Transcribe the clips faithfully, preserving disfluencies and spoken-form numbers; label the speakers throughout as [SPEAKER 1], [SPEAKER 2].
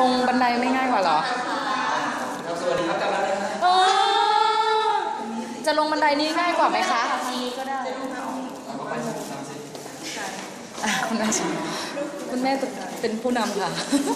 [SPEAKER 1] งบันไดไม่ง่ายกว่าเหรอ
[SPEAKER 2] สวัสดีครับกำลังเลยนะ
[SPEAKER 1] จะลงบันไดนี้ง่ายกว่าไหมคะ
[SPEAKER 3] ก็ได้
[SPEAKER 1] คุณแม่คุณแม่เป็นผู้นำค่ะ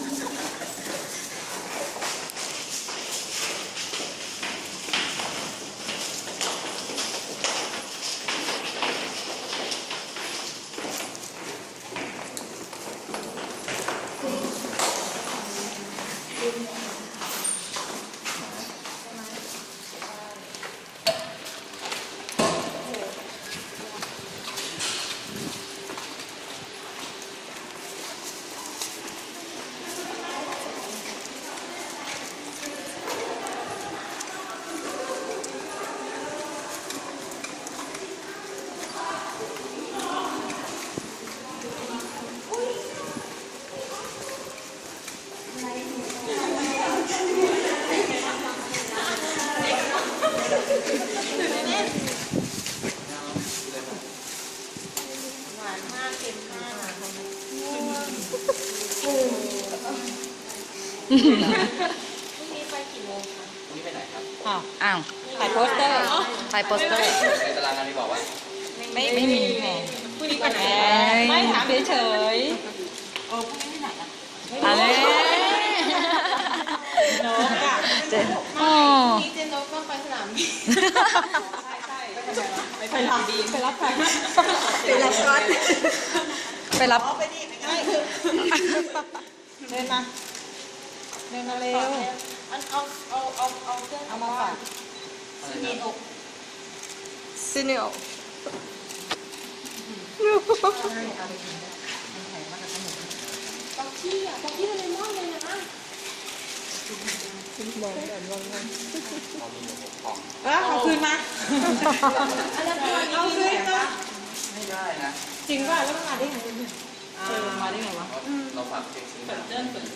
[SPEAKER 3] พรุ่งนี้ไปกี่โมงคะ
[SPEAKER 2] พรุ่งนี้ไปไหนครับ
[SPEAKER 1] อ้าวอ้าว
[SPEAKER 3] ถ่ายโปสเตอร์
[SPEAKER 1] ถ่ายโปสเตอร์
[SPEAKER 2] ในตารางงานที่บอกว่า
[SPEAKER 3] ไม่ไม่มีแหมพรุ่งนี้ไปไหนไม่ถามเฉยๆโอ้พรุ่งนี้ไปไหนอ่ะ
[SPEAKER 1] อะไร
[SPEAKER 3] นกอ่ะ
[SPEAKER 1] เจนโอ้
[SPEAKER 3] นี่เจนนกต้องไปสนามบินใช่ใช่ไปสนามบินไปรับใครไปรับก๊อต
[SPEAKER 1] ไปรับ
[SPEAKER 3] ไปดิไปเดินมาเดินมาเร็วอันเอาเอาเอาเอาเครื่องเอามาฝากซีเนโอ
[SPEAKER 1] ซีเนโอ
[SPEAKER 3] บอกที่อ่ะบอกที่อะไรมากเลยนะมองกันมองกันเออเอาคืนมาเอาคืนมา
[SPEAKER 2] ไม่ได้นะ
[SPEAKER 3] จริงป่ะแล้วมันมาได้ไงเออมาได้ไงวะ
[SPEAKER 2] เราฝากเช็คซื้อ